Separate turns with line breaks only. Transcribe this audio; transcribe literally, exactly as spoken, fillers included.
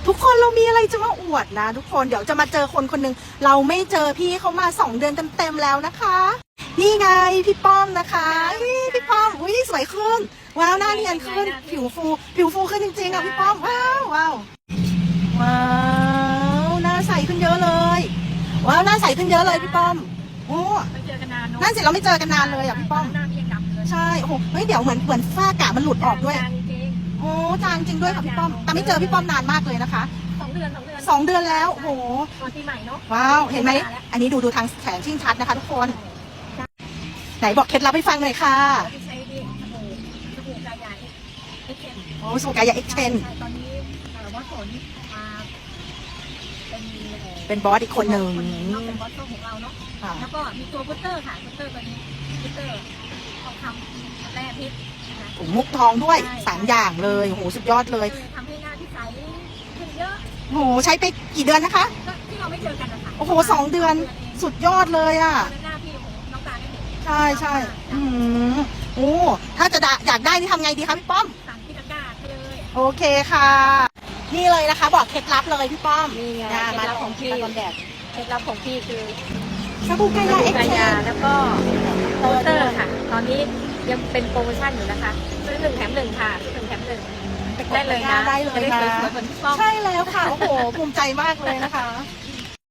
ทุกคนเรามีอะไรจะมาอวดนะทุกคนเดี๋ยวจะมาเจอคนคนหนึ่งเราไม่เจอพี่เขามาสองเดือนเต็มๆแล้วนะคะนี่ไงพี่ป้อมนะคะพี่ป้อมอุ้ยสวยขึ้นว้าวหน้าเนียนขึ้นผิวฟูผิวฟูขึ้นจริงๆอ่ะพี่ป้อมว้าวว้าวว้าวหน้าใสขึ้นเยอะเลยว้าวหน้าใสขึ้นเยอะเลยพี่ป้อมโอ้
ไม่เจอกันนานเนาะ
นั่นสิเราไม่เจอกันนานเลยอ่ะพี่ป้อม
หน้าพี่ยังดำเลย
ใช่โอ้โหเฮ้ยเดี๋ยวเหมือนเหมือนฝ้ากระมันหลุดออกด้วย
จริง
โอ้จางจริงด้วยค่ะพี่ป้อมแต่ไม่เจอพี่ป้อมนานมากเลยนะคะ
สองเดือนสองเดือน
สองเดือนแล้วโอ้โห
ตอนปีใหม่เนาะ
ว้าวเห็นไหมอันนี้ดูดูทางแขนชิ่งชัดนะคะทุกคนไหนบอกเคล็ดลับให้ฟังหน่อยค่ะ
ที่ใช้ดีสบู่สบู่กายาเอ็กเอ็น
โอ้สบู่กายาเอ็กเทน
ใช่ตอนนี้วัดผลมาเป็น
เป็นบอสอีกคนหนึ่ง
เป็นบอสของเราเนาะแล้วก็มีตัวพุตเตอร์ค่ะพุตเตอร์ตัวนี้พุตเตอร์ทองคำแร่พิษ
ถุงมุกทองด้วยสามอย่างเลยโอ้โหสุดยอดเลย
ทำให้หน้าที่ใสขึ้นเยอะ
โอ้โหใช้ไปกี่เดือนนะคะ
ก็ที่เราไม่เจอกันนะคะ
โอ้โหสองเดือนสุดยอดเลยอ่ะ
หน้าพี่น้องตาได้เห็น
ใช่ใช่อืมโอ้ถ้าจะได้อยากได้นี่ทำไงดีคะพี่ป้อม
สั่งที่ตะกร้าให้เลย
โอเคค่ะ นี่เลยนะคะ บอกเคล็ดลับเลยพี่ป้อม
นี่ไง
อ่า
เคล็
มา
ดลับของพี่
มาตอนแดด
เคล็ดลับของพี่คือ
สบู่กายาเอ็ก
กา
เท
ยาน แล้วก็โปสเตอร์ค่ะ ตอนนี้ยังเป็นโปรโมชั่นอยู่นะคะซื้อหนึ่งแถมหนึ่งค่ะซื้อหนึ่งแถมหนึ่งได้เลยนะ
ได้เลยนะ
จะได้สวยๆเหมือนพี่ป้อม
ใช่แล้วค่ะ โอ้โห ภูมิใจมากเลยนะคะ